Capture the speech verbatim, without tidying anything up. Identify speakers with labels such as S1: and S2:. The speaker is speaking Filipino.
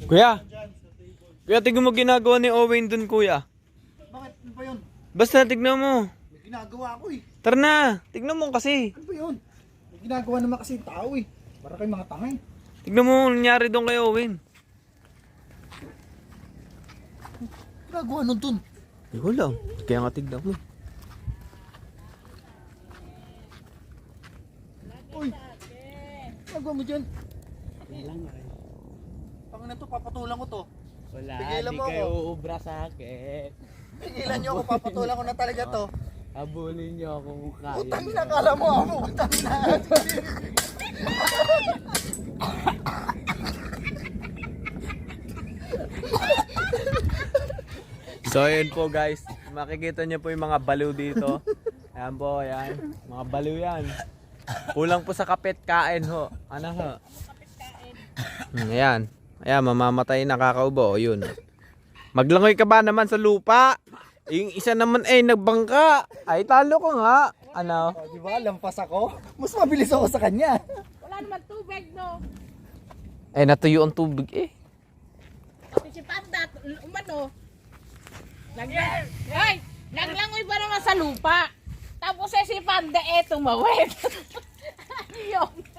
S1: Kuya! Kuya, tignan mo ginagawa ni Owen dun, kuya.
S2: Bakit? Ano ba yun?
S1: Basta, tignan mo.
S2: May ginagawa ako eh.
S1: Tara na, tignan mo kasi.
S2: Ano ba yun? May ginagawa naman kasi yung tao eh. Para kay mga tangay.
S1: Tignan mo ang nangyari doon kay Owen.
S2: Ginagawa nun dun.
S1: Eh, wala. Kaya nga tignan mo.
S2: Uy! Ginagawa mo dyan? Pangina to, papatulan ko to.
S3: Wala,
S2: Pigilan
S3: di
S2: mo
S3: kayo
S2: ako.
S3: uubra sa akin.
S2: Pigilan nyo ako, papatulan ko na talaga to.
S3: Habulin niyo ako kung kaya.
S2: Utang na, kala mo ako. Utang na.
S1: So, ayun po guys. Makikita niyo po yung mga baliw dito. Ayan po, ayan. Mga baliw yan. Kulang po sa kapit kain ho. Ano ho? Hmm, ayan. Ayan, mamamatay na kakaubo. O, yun. Maglangoy ka ba naman sa lupa? Yung isa naman eh, nagbangka. Ay, talo ko nga. Ano?
S2: O, di ba? Lampas ako. Mas mabilis ako sa kanya.
S4: Wala naman tubig, no?
S1: Eh, natuyo ang tubig eh.
S4: Pati si Panda, umano. Naglang... Ay! Naglangoy ba naman sa lupa? Tapos eh si Panda eh, tumawid. Yung...